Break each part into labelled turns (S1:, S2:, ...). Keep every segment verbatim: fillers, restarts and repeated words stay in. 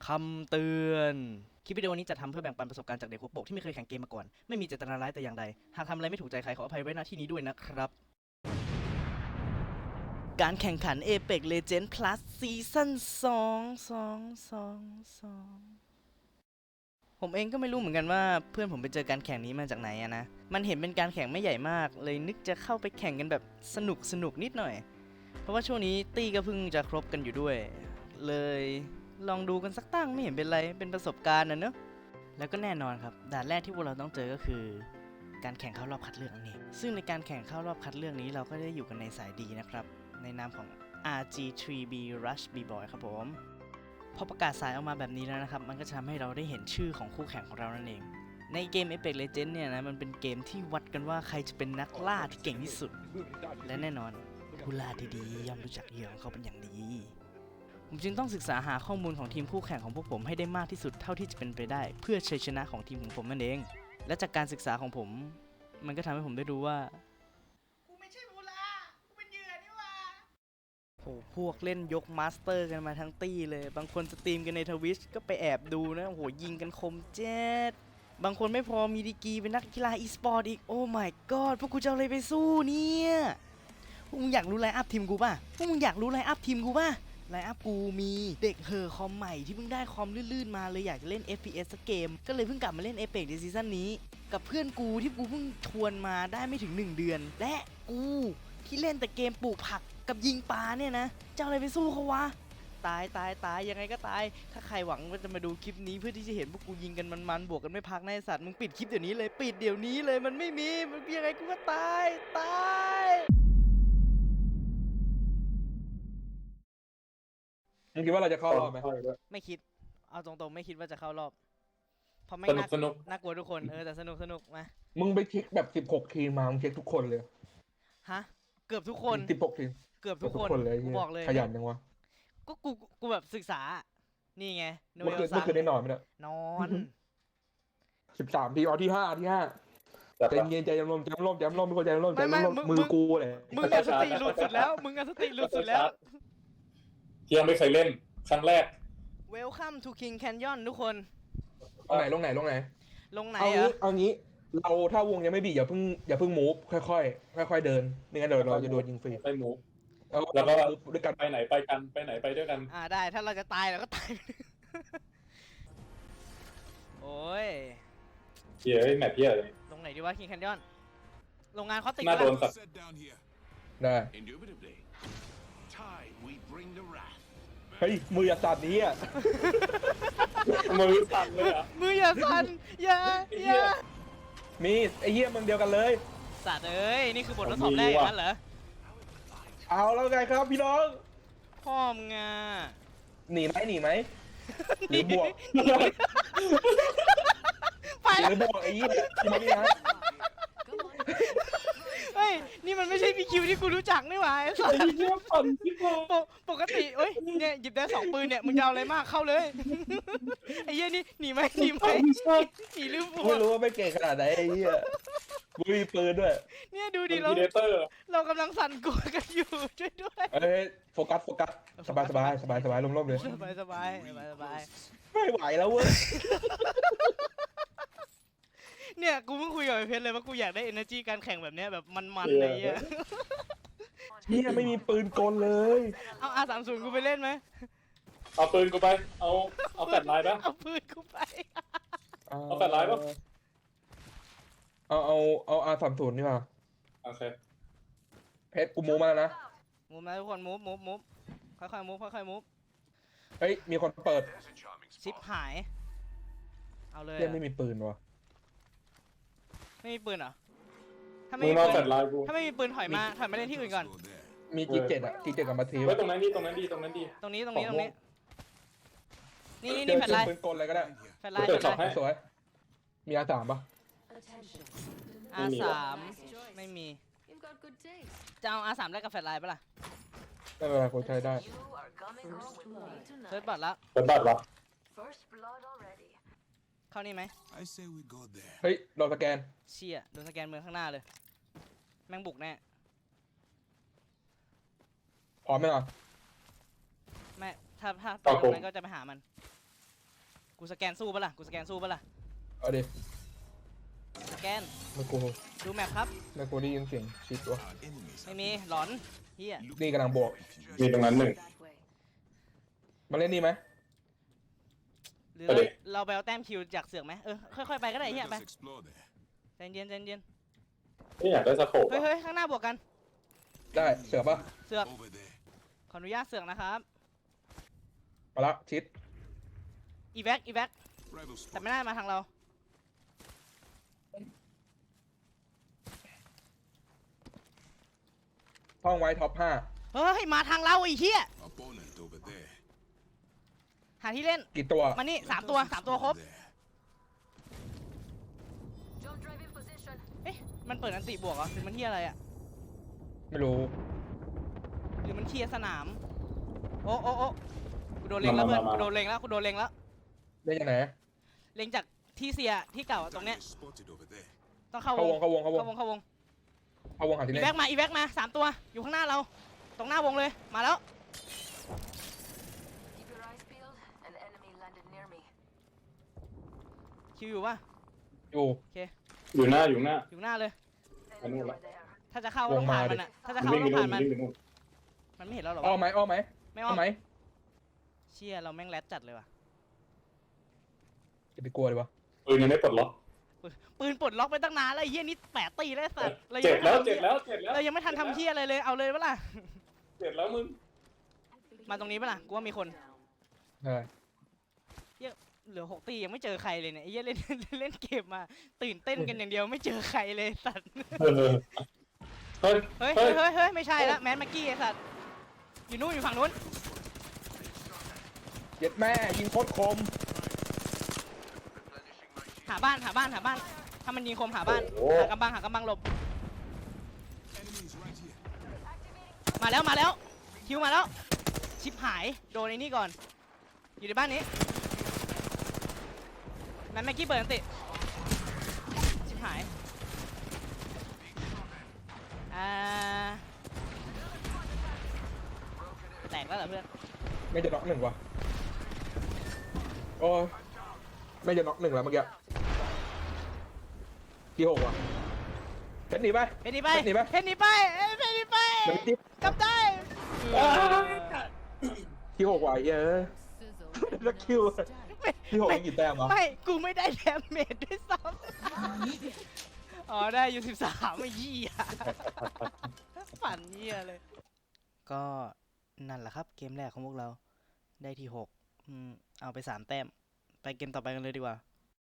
S1: คำเตือนคลิปวิดีโอนี้จะทำเพื่อแบ่งปันประสบการณ์จากเด็กหัวโปกที่ไม่เคยแข่งเกมมาก่อนไม่มีเจตนาร้ายแต่อย่างใดหากทำอะไรไม่ถูกใจใครขออภัยไว้ณที่นี้ด้วยนะครับการแข่งขัน Apex Legends Plus Season สอง สอง สอง สองผมเองก็ไม่รู้เหมือนกันว่าเพื่อนผมไปเจอการแข่งนี้มาจากไหนอะนะมันเห็นเป็นการแข่งไม่ใหญ่มากเลยนึกจะเข้าไปแข่งกันแบบสนุกสนุกนิดหน่อยเพราะว่าช่วงนี้ตี้ก็เพิ่งจะครบกันอยู่ด้วยเลยลองดูกันสักตั้งไม่เห็นเป็นไรเป็นประสบการณ์นะเนอะแล้วก็แน่นอนครับด่านแรกที่พวกเราต้องเจอก็คือการแข่งเข้ารอบคัดเลือกนั่นเองซึ่งในการแข่งเข้ารอบคัดเลือกนี้เราก็ได้อยู่กันในสายดีนะครับในนามของ อาร์ จี ทรี บี Rush B-Boy ครับผมพอประกาศสายออกมาแบบนี้แล้วนะครับมันก็จะทำให้เราได้เห็นชื่อของคู่แข่งของเรานั่นเองในเกม Apex Legends เนี่ยนะมันเป็นเกมที่วัดกันว่าใครจะเป็นนักล่าที่เก่งที่สุดและแน่นอนผู้ล่าที่ดีย่อมรู้จักเหยื่อของเขาเป็นอย่างดีผมจึงต้องศึกษาหาข้อมูลของทีมคู่แข่งของพวกผมให้ได้มากที่สุดเท่าที่จะเป็นไปได้เพื่อชัยชนะของทีมของผมนั่นเองและจากการศึกษาของผมมันก็ทำให้ผมได้รู้ว่ากูไม่ใช่ผู้ล่ากูเป็นเหยื่อนี่หว่าโหพวกเล่นยกมาสเตอร์กันมาทั้งตี้เลยบางคนสตรีมกันในทวิชก็ไปแอบดูนะโหยิงกันคมเจ็ดบางคนไม่พอมีดีกรีเป็นนักกีฬาอีสปอร์ตอีกโอ้ my god พวกกูจะเอาอะไรไปสู้เนี่ยพวกมึงอยากรู้ไลน์อัพทีมกูป่ะพวกมึงอยากรู้ไลน์อัพทีมกูป่ะไลน์อัพกูมีเด็กเฮอคอมใหม่ที่เพิ่งได้คอมลื่นๆมาเลยอยากจะเล่น เอฟ พี เอส สักเกมก็เลยเพิ่งกลับมาเล่น Apex ในซีซั่นนี้กับเพื่อนกูที่กูเพิ่งชวนมาได้ไม่ถึงหนึ่งเดือนและกูที่เล่นแต่เกมปลูกผักกับยิงปลาเนี่ยนะจะเอาอะไรไปสู้เขาวะตายตายตายยังไงก็ตายถ้าใครหวังว่าจะมาดูคลิปนี้เพื่อที่จะเห็นพวกกูยิงกันมันๆบวกกันไม่พักในสัตว์มึงปิดคลิปเดี๋ยวนี้เลยปิดเดี๋ยวนี้เลยมันไม่มีมันยังไงกูก็ตายตาย
S2: มึงคิดว่าเราจะเข้ารอบไหม
S1: ไม่คิดเอาตรงๆไม่คิดว่าจะเข้ารอบเพราะไม่
S3: สนุ
S1: น่าก
S3: สนุก
S1: น่ากลัวทุกคนเออแต่สนุกสนุกมา
S2: มึงไปเช็คแบบสิบหกทีมมา มึงเช็คทุกคนเลย
S1: ฮะเกือบทุกคน
S2: สิบหกทีม
S1: เกือบทุกคน
S2: เลย
S1: กูบอกเลย
S2: ขยันจังวะ
S1: ก็กูกูแบบศึกษานี่ไงโน
S2: เมื่อ
S1: เอ
S2: คื
S1: ล
S2: น
S1: ซั
S2: เมื่อคืนได้นอนไหมเนี่ย
S1: นอน
S2: สิบสามทีมเอาที่ห้าที่ห้า
S3: แต่
S2: ใจเย็นใจเย็นลมใจลมใจลมทุกคนใจลมใจ
S1: ไม่ไม่
S2: ลม
S1: มึง
S2: มื
S1: มึ
S2: อง กูเลย
S1: มึงอะสติหลุดสุดแล้วมึงอะสติหลุดสุดแล้ว
S3: ที่ยังไม่เคยเล่นครั้งแรก
S1: Welcome to King Canyon ทุกคน
S2: ลงไหนลงไหนลงไหน
S1: ลงไหน
S2: เอา
S1: เหร
S2: งี้
S1: อ
S2: เอางี้เราถ้าวงยังไม่บีบอย่าเพิ่งอย่าเพิ่งมูฟค่อยๆค่อยๆเดินไม่งั้นเดี๋ยวเราจะโดนยิงฟรี
S3: ไปหมู
S2: เอา
S3: แล้วก็
S2: ด้วยกัน
S3: ไปไหนไปกันไปไหนไปด้วยกัน
S1: อ่าได้ถ้าเราจะตายเราก็ตาย โอ้ย
S3: เหี้ยแมปเหี้ยเลย
S1: ลงไหนดีวะ King Canyon โรงงานเขาติด
S3: น่าโดน
S1: แล้ว
S3: สัตว์
S4: Set down here.
S2: ได้
S4: Indubitably. Time we bring the wrath.
S2: เฮ้ยมืออย่าสั่นนี้อ่ะ
S3: มือสั่นเลยอ่ะ
S1: มืออย่าสั่นอย่าอย่า
S2: มีไอ้เหี้ยมึงเดียวกันเลย
S1: สัตว์เอ้ยนี่คือบททดสอบแรกอย่างนั้นเหรอ
S2: เอาแล้วไงครับพี่น้อง
S1: พ่อมึงอ่ะ
S2: หนีไหมหนีไหมหรือบวก
S1: ไป
S2: หรือบวกไอ้ยี่ที่ไม่ได้นะ
S1: เฮ้ย นี่มันไม่ใช่พีคิวที่กูรู้จักนี่หว่าไอ้สัส
S3: ไอ้เหี้ยปั่นที่พอ
S1: ปกปกติเอ้ย เนี่ยหยิบได้สองปืนเนี่ย มึงจะเอาอะไรมากเข้าเลย ไอ้เหี้ยนี่หนีไหมหนีไหมหนีหรือบว
S2: ไม่
S1: ก
S2: รู้ว่าไม่เก่งขนาดไหนไอ้ยี่กูมีปืนด้วย
S1: เนี่ยดู
S3: ดี
S1: ดิเรา
S3: เดเตอร์
S1: เรากำลังสั่นกลัวกันอยู่ช่วยด้วย
S2: เอ้ยโฟกัสโฟกัสสบายสบายสบายสบายร่มๆเลย
S1: สบายสบายสบายสบาย
S2: ไม่ไหวแล้วเว้ย
S1: เนี่ยกูเพิ่งคุยกับไอ้เพชรเลยว่ากูอยากได้ energy การแข่งแบบเนี้ยแบบมันๆเลยอ่ะ
S2: เนี่ยไม่มีปืนกลเลย
S1: เอา อาร์ สามสิบ กูไปเล่นไหม
S3: เอาปืนกูไปเอาเอาแฟลชไลน์ปะ
S1: เอาปืนกูไป
S3: เอาแฟลชไลน์ปะ
S2: เอาเอาเอาอาสามศูนย์นี่มา
S3: โอเค
S2: เพชรกูมูมาแล้วนะ
S1: มูฟนะทุกคนมูฟมูฟมูฟค่อยๆมูฟค่อยๆมูฟ
S2: เฮ้ยมีคนเปิด
S4: There's a charming
S1: ชิป
S4: spot.
S1: หาย เอาเลย
S2: เรีย
S1: อะ
S2: ไม่มีปืนวะ
S1: ไม่มีปืนเหรอ ถ้า
S3: มึ
S1: ไม่
S3: ง
S1: มี
S3: มา
S1: ปื
S3: แฟล
S1: น
S3: ชไลน์กู
S1: ถ้าไม่มีปืนถอยมาถอยมาเล่นที่อื่นก่อน
S4: Go there.
S2: มีจีเจ็ดอะจีเจ็ดกับมาที
S3: ไว้ตรงนั้นดีตรงนั้นดีตรงนั้นดี
S1: ตรงนี้ตรงนี้ตรงนี้ นี่นี่
S2: เจ
S1: นี่
S2: อ
S1: แฟลชไลน์
S2: ปืนกลอะไรก็ได้
S1: แฟลชไลน์
S3: เปิ
S1: แฟล
S3: ด
S1: ช
S3: ช็
S1: ไล
S3: อป
S1: น์
S3: ให้
S2: สวยมีอาสามปะ
S1: อาร์ สามไม่มี
S5: You've got good taste.
S1: จะเอา อาร์ สาม แลกกับแฟลชไลน์ปะล่ะ
S2: ไม่เป็นไรกูใช้ได้
S5: You are coming home with me
S1: เซิร์ช
S5: tonight.
S1: บัตรแล้ว
S3: เปิดบัตรวะ
S5: First blood already.
S1: เข้านี่ไหม
S4: I say we go there.
S2: เฮ้ยเราสแกน
S1: เชี่ยโดนสแกนเมืองข้างหน้าเลย แม่งบุกแน่
S2: พร้อมไหมล่ะ
S1: ไม่ถ้าถ้าไปตรงนั้นก็จะไปหามันกูสแกนสู้ปะล่ะกูสแกนสู้ปะล่ะ
S2: เอาดิ
S1: สแกน
S2: ไม่กู
S1: ดูแมปครับ
S2: ไม่กูได้ยินเสียงชิดวะ
S4: Our enemies
S1: ไม่มีหลอนเฮีย
S2: นี่กำลังบวก
S3: มีตรงนั้นหนึ่ง
S5: That way.
S2: มาเล่นนี่ไหม
S1: หรือ
S3: ไปดิ
S1: เราไปเอาแต้มคิวจากเสือกไหมเออค่อยๆไปก็ได้เฮีย
S4: Let
S1: ไป
S4: us explore there.
S1: ใจเย็นใจเย็น
S3: นี่อยากได้สโคป
S1: เฮ้ย
S3: อะ
S1: เฮ้ยข้างหน้าบวกกัน
S2: ได้เสือปะ
S1: เสือก
S4: Over there.
S1: ขออนุญาตเสือกนะครับ
S2: มาละชิด
S1: อีแว็กอีแว็ก
S4: Rival
S1: แต่
S4: spot.
S1: ไม่ได้มาทางเรา
S2: ท่องไว้ท็อปห้า
S1: เฮ้ยมาทางเราไอ้เหี้ย
S4: Opponent over there.
S1: หาที่เล่น
S2: กี่ตัว
S1: มานี่
S4: Let
S1: สาม
S4: us
S1: ตัวสามตัวครบ
S4: explore there.
S5: Jump drive in position.
S1: เอ๊ะมันเปิดอันติบวกเหรอหรือมันเหี้ยอะไรอะ
S2: ไม่รู้
S1: หรือมันเคลียร์สนามโอ้โอ้โอ้กูโดนเล็งแล้วเพื่อนกูโดนเล็งแล้วกูโดนเล็งแล้ว
S2: ได้ยังไง
S1: เล็งจากที่เสียที่เก่าอะตรงเนี้ย
S4: Target spotted over there.
S1: ต้องเข้า
S2: เข้าว ว
S1: ง
S2: งเข้าวงเข้าวง
S1: เข้าวงเข้าวง
S2: เข้าวงหาที่
S1: อี
S2: เล่น
S1: แว็กมาอีแว็กมาสามตัวอยู่ข้างหน้าเรา ตรงหน้าวงเลยมาแล้ว
S5: Keep your eyes peeled. An enemy landed near me.
S1: คิวอยู่ปะ
S2: อยู่
S3: อยู่หน้าอยู่หน้า
S1: อยู่หน้าเลย
S5: Enemy
S3: know
S5: over
S3: that.
S5: there.
S1: ถ้าจะเข้าก็ต้องผ่านมันอะถ้าจะ
S3: มัน
S1: เข้า
S3: วิ่ง
S1: ต้
S3: ไป
S1: อง
S3: นู่
S1: ผ่าน นมัน
S3: วิ่งไปนู่น
S1: มันไม่เห็นเราหรอ
S2: อ้อ
S1: วะ
S2: ไหมอ้อไหม
S1: ไม่
S2: อ้
S1: อ้
S2: อ
S1: อม
S2: ไหม
S1: เชี่ยเราแม่งแรดจัดเลยว่ะ
S2: จะไปกลัวเลยวะ
S3: ปืนยังไม่ปลดล็อก
S1: ปืนปลดล็อกไปตั้งนานแล้วไอ้เหี้ยนี่แปดตีแล้วไอ้สัตว์รา
S3: เจ็
S1: ยั
S3: บ
S1: งไม่
S3: แล้ว
S1: ทัน
S3: เจ็บแล้วเจ็บแล้ว
S1: เรายังไม่ทันทำเหี้ยอะไรเลยเอาเลยปะล่ะ
S3: เจ็บแล้วมึง
S1: มาตรงนี้ปะล่ะกูว่ามีคน
S2: ใช่
S1: เหลือหกตียังไม่เจอใครเลยเนี่ยไอ้เหี้ยเล่น เล่นเกมมาตื่นเต้นกันอย่างเดียวไม่เจอใครเลยสัตว์
S3: เออเฮ้ย
S1: เฮ้ย
S3: เฮ้
S1: เฮ้
S3: ย
S1: ยเฮ้ยเฮ้ยไม่ใช่ละแมนแม็กกี้ไอ้สัตว์อยู่นู่นอยู่ฝั่งนู้น
S2: เย็ดแม่ยิงโคตรคม
S1: หาบ้านหาบ้านหาบ้านถ้ามันยิงคมหาบ้าน
S3: โอ้
S1: หากำบังหากำบังหลบ
S4: Enemies right here.
S1: มาแล้วมาแล้วคิวมาแล้วชิปหายโดนไอ้นี่ก่อนอยู่ในบ้านนี้แมนแม็กกี้เปิดอันติชิปหายอ่าแตกแล้วเหรอเพื่อน
S2: ไม่จะน็อกหนึ่งวะโอ้ยไม่จะน็อกหนึ่งแล้วเมื่อกี้กี่หกวะเพชรหนีไป
S1: เพนนีไป
S2: เพชรหนีไป
S1: เพนนีไปเอ้ยเพนนีไป
S2: มันจิ๊บ
S1: กลับได้
S2: กี่หกวะไอ้เหี้ยเอ้ย
S5: Sizzle.
S2: แล้วคิวที่หก
S1: ไม่
S2: มีกี่แต้มวะ
S1: ไม่ กูไม่ได้แดมเมจด้วยซ้ำ อ๋อ ได้อยู่สิบสามไอ้ยี่อ่ะ ฝันเยี่ยเลย ก็นั่นแหละครับเกมแรกของพวกเรา ได้ที่หกอืมเอาไปสามแต้ม ไปเกมต่อไปกันเลยดีกว่า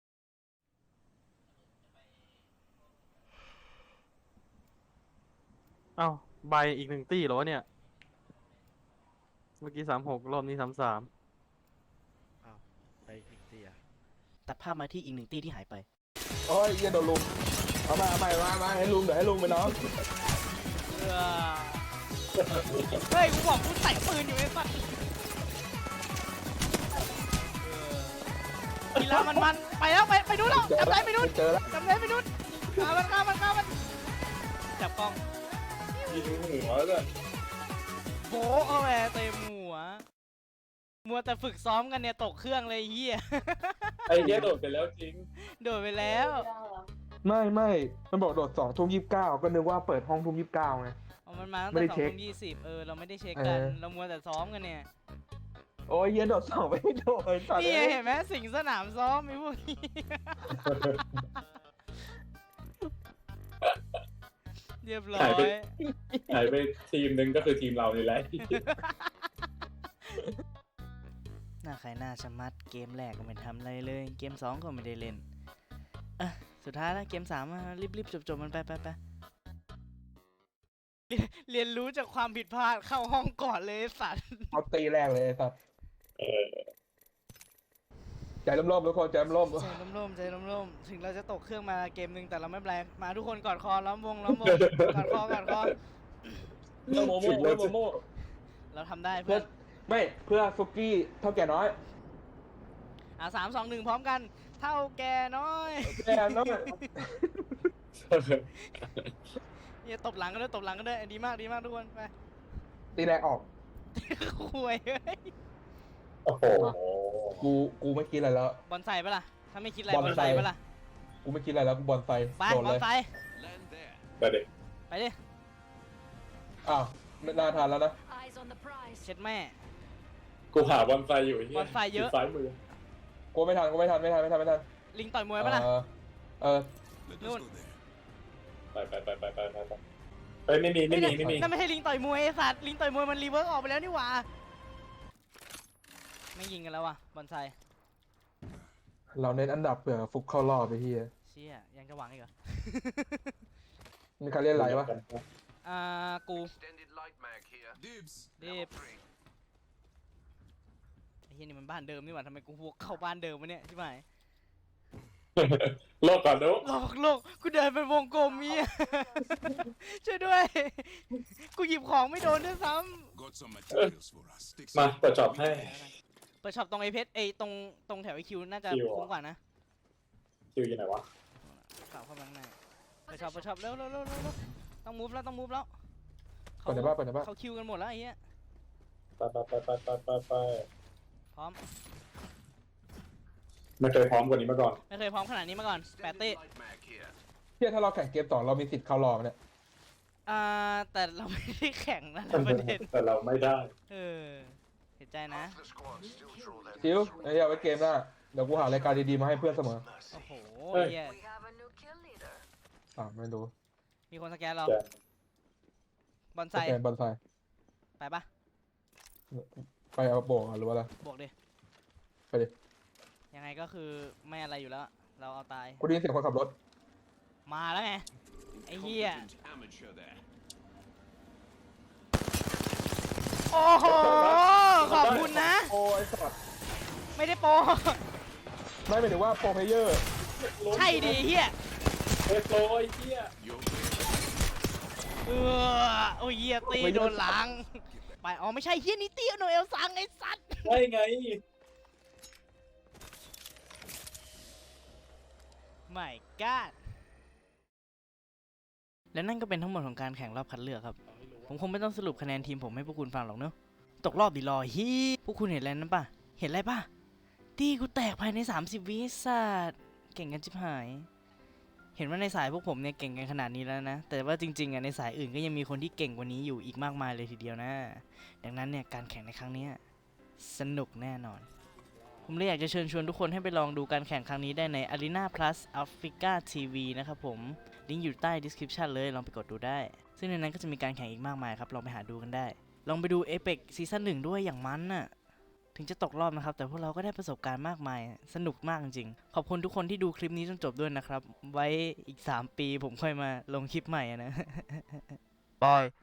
S6: เอ้าใบอีกหนึ่งตี้เหรอวะเนี่ย เมื่อกี้สามหกรอบนี้สามสาม
S1: ไปอีกตีอ่ะตัดภาพมาที่อีกหนึ่งตีที่หายไป
S2: โอ้ยเหี้ยโดนลุมเอามาเอามาเอามามาให้ลุงเดี๋ยวให้ลุงไปน้อง
S1: เฮ้ย กูบอกกูใส่ปืนอยู่ไอ้สัสกีฬามันมันๆไปแล้วไปไปดูนแล้วจำได้ไปดูน
S2: เจอแล้ว
S1: จำได้ไปดูนฆ่ามันฆ่ามันฆ่ามัน จับกล้อง
S3: ยิงหัวเลย
S1: โบะเอาแหวเต็มหัว มัวแต่ฝึกซ้อมกันเนี่ยตกเครื่องเลยไอ้เฮีย
S3: ไอ้เหี้ยโดดไปแล้วจริง
S1: โดดไปแล้ว
S2: ไม่ไม่มันบอกโดดสองทุ่มยี่สิบเก้าก็นึกว่าเปิดห้องทุ่มยี่สิบเก้าไง
S1: เอามันมาตั้ง
S2: ไม่
S1: แต่
S2: ได้
S1: สอง
S2: เช็ค
S1: ทุ่มยี่สิบเออเราไม่ได้เช็คกัน
S2: เออ
S1: เรามัวแต่ซ้อมกันเนี่ย
S2: โอ้ยเหี้ยโดดสองไม่โดดสัตว์
S1: นี่ไง
S2: อ้ย
S1: เห็นไหมสิงสนามซ้อมไอ้พวกนี้ เรียบร้อ
S3: หายไป
S1: ย
S3: หายไปทีมหนึ่งก็คือทีมเรานี่แหละ
S1: หน้าใครหน้าชะมัดเกมแรกก็ไม่ทำอะไรเลย เกมสองก็ไม่ได้เล่นอ่ะสุดท้ายแล้วเกมสามอะรีบๆจบๆมันไปไปไปเรียนเรียนรู้จากความผิดพลาดเข้าห้องก่อนเลยไอ้สัตว์
S2: เอาตีแรกเลยไอ้สัตว์
S3: เออ
S2: ใจร่มๆทุกคนใจร่ม
S1: ใจร่มๆใจร่มๆถึงเราจะตกเครื่องมาเกมหนึ่งแต่เราไม่เป็นไรมาทุกคนกอดคอล้อมวงล้อมวงกอดคอกอดคอ
S2: ๆเพื่อโมโม่เพื่อโมโม่
S1: เราทำได้
S2: เพื่
S1: เพื่
S2: อ
S1: อน
S2: ไม่เพื่อซุกี้เท่าแก่น้อย
S1: อ่ะสามสองหนึ่งพร้อมกัน เท่าแกน้อย
S2: แก่น้อย
S1: เนี่ยตบหลังก็ได้ตบหลังก็ได้ดีมากดีมากทุกคนไป
S2: ตีแรกออก
S1: คุยเฮ้ย
S3: โอ้โห
S2: กูกูไม่คิดอะไรแล้ว
S1: บอลไซปะล่ะ ถ้าไม่คิดอะไร
S2: บบ อ
S1: อ
S2: ล
S1: ล
S2: ไซ
S1: ไซปะล่ะ
S2: กูไม่คิดอะไรแล้วกูบอลไซ
S1: ไป
S2: โดน
S1: บ
S2: เล
S1: อล
S2: ย
S1: ไซ
S4: Land there.
S3: ไปเด็ก
S1: ไปดิ
S2: อ้าวไม่น่าทานแล้วนะ
S5: Eyes on the prize.
S1: เช็ดแม่
S3: กูหาบอลไซอยู่ไอ้เหี้ย
S1: บอลไซเยอะ
S3: ซ้ายมือ
S2: กูไม่ทันกูไม่ทันไม่ทันไม่ทันไม่ทัน
S1: ลิงต่อยมวยปะล่ะ
S2: เออเออ
S4: Let
S1: No.
S4: us go there.
S3: ไปไปไปไปไปไปไปเฮ้ยไม่มีไม่มีไม่มี
S1: นั่นไม่ใช่ลิงต่อยมวยไอ้สัตว์ลิงต่อยมวยมันรีเวิร์กออกไปแล้วนี่หว่า ไม่ยิงกันแล้วว่ะบอลไซ
S2: เราเน้นอันดับเผื่อฟุกเข้ารอบไปที่
S1: เชี่ยยังจะหวังอีกเหรอ
S2: มีใครเล่นอะไรวะ
S1: อ่า กู
S4: Extended light mag here. Dibs.
S1: Dibs.
S4: Level three.
S1: ไอ้เฮียนี่มันบ้านเดิมนี่หว่าทำไมกูวกเข้าบ้านเดิมวะเนี่ยใช่ไหม
S3: โลกก่อนดู
S1: โลกโลกกูเดินเป็นวงกลมมีย ช่วยด้วย กูหยิบของไม่โดนด้วยซ้
S4: Got some materials for us. Stick
S3: มา
S4: some-
S3: เปิดจอบให้
S1: ำเปิดช็อปตรงไอเพชรไอตรงตรงแถวไอคิวน่าจะ
S3: คิวเหรอ
S1: คุ้มกว่านะ
S3: คิวอยู่ไหนวะ
S1: กลับเข้ามาข้างในเปิดช็อปเปิดช็อปเร็วเร็วเร็วเร็วเร็วต้องมูฟแล้วต้องมูฟแล้ว
S2: เปิดในบ้านเปิดในบ้าน
S1: เขาคิวกันหมดแล้วไอ้เหี้ย
S3: ไปไปไปไปไปไปไป
S1: พร้อม
S3: ไม่เคยพร้อมกว่านี้มาก่อน
S1: ไม่เคยพร้อมขนาดนี้มาก่อนแปด
S4: Extended
S1: เต้
S4: light mag here.
S2: เที่ยถ้าเราแข่งเกมต่อเรามีสิทธิ์เข้ารอบเนี่ย
S1: อ่าแต่เราไม่ได้แข่งนะประเด็น
S3: แต่เราไม่ได้
S1: เออเห็นใจนะ
S4: Half the squad still draw their
S2: ซิวไอ้เหี้ยไว้เกมหน้าเดี๋ยวกูหารายการดีๆมาให้เพื่อนเสมอ
S1: โอ้โห
S3: เฮ้ย
S1: เหี้ย
S5: We have a new kill leader.
S2: อ่าไม่รู้
S1: มีคนสแกนเรา
S3: แก
S1: บอลไซ
S2: สแกนบอลไซ
S1: ไปปะ
S2: ไปเอาโบกหรือว่าอะไร
S1: บวกดิ
S2: ไปดิ
S1: ยังไงก็คือไม่อะไรอยู่แล้ว เราเอาตาย
S2: กูได้ยินเสียงคนขับรถ
S1: มาแล้วไง ไอ้เหี้ย
S4: Competent amateur there.
S1: โอ้โห ขอบคุณนะ
S2: โอ้ยสัตว์
S1: ไม่ได้โปร
S2: ไม่หมายถึงว่าโปรเพลเยอร์
S1: ใช่ดิเฮีย
S3: เฮ้ยโปรไอ้เหี้ย
S4: You're
S1: เออโอ้ยเฮียตีโดนหลัง ไป อ๋อ ไม่ใช่เฮียนี่ตีโนเอลซังไอ้สัตว์
S3: ได้ไง
S1: ไม่กาดและนั่นก็เป็นทั้งหมดของการแข่งรอบคัดเลือกครับ ผมคงไม่ต้องสรุปคะแนนทีมผมให้พวกคุณฟังหรอกเนอะตกรอบดิรอฮีพวกคุณเห็นอะไรนั้นปะเห็นอะไรปะตีกูแตกภายในสามสิบวิสัตว์เก่งกันชิบหาย เห็นว่าในสายพวกผมเนี่ยเก่งกันขนาดนี้แล้วนะ แต่ว่าจริงๆอ่ะในสายอื่นก็ยังมีคนที่เก่งกว่านี้อยู่อีกมากมายเลยทีเดียวนะ ดังนั้นเนี่ยการแข่งในครั้งเนี้ยสนุกแน่นอน ผมเลยอยากจะเชิญชวนทุกคนให้ไปลองดูการแข่งครั้งนี้ได้ใน Arena Plus Africa ที วี นะครับผม ลิงก์อยู่ใต้ description เลย ลองไปกดดูได้ ซึ่งในนั้นก็จะมีการแข่งอีกมากมายครับ ลองไปหาดูกันได้ ลองไปดู Apex ซีซั่นหนึ่งด้วยอย่างมันน่ะ ถึงจะตกรอบนะครับ แต่พวกเราก็ได้ประสบการณ์มากมาย สนุกมากจริงๆ ขอบคุณทุกคนที่ดูคลิปนี้จนจบด้วยนะครับ ไว้อีกสามปีผมค่อยมาลงคลิปใหม่อะนะ
S6: บาย